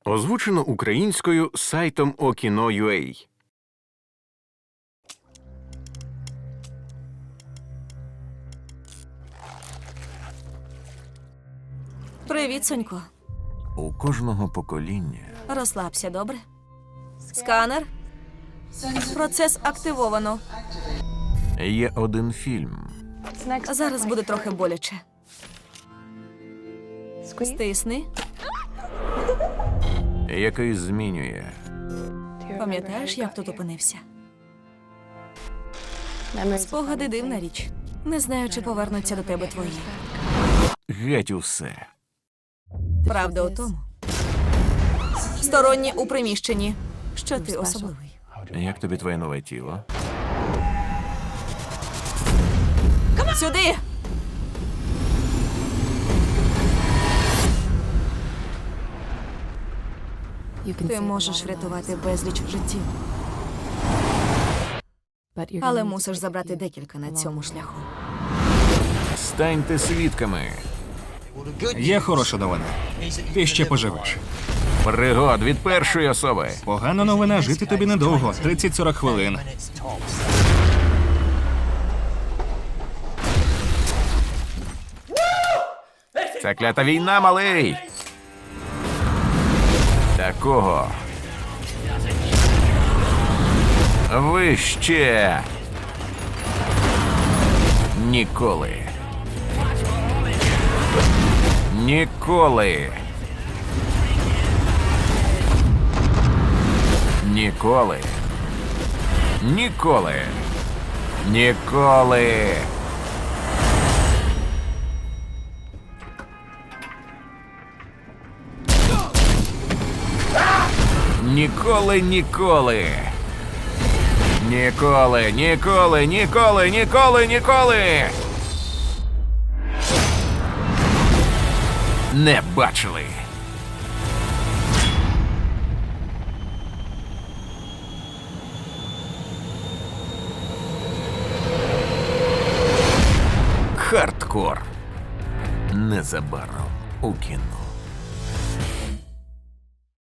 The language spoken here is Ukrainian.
Озвучено українською сайтом Okino.ua. Привіт, Сонько. У кожного покоління Розслабся, добре? Сканер. Процес активовано. є один фільм, Зараз буде трохи боляче. Стисни. який змінює Пам'ятаєш, як тут опинився? Спогади – дивна річ. Не знаю, чи повернуться до тебе твої. геть усе. Правда у тому. Сторонні у приміщенні. Що ти особливий? Як тобі твоє нове тіло? Сюди! Ти можеш врятувати безліч життів, але мусиш забрати декілька на цьому шляху. Станьте свідками Є хороша новина. Ти ще поживеш. пригод від першої особи. Погана новина, жити тобі недовго. 30-40 хвилин. Це клята війна, малий. Такого ви ще ніколи. Ніколи. Ніколи. Ніколи. Ніколи. Ніколи, ніколи. Ніколи, ніколи, ніколи, ніколи, ніколи. Не бачили. Хардкор. Незабаром у кіно.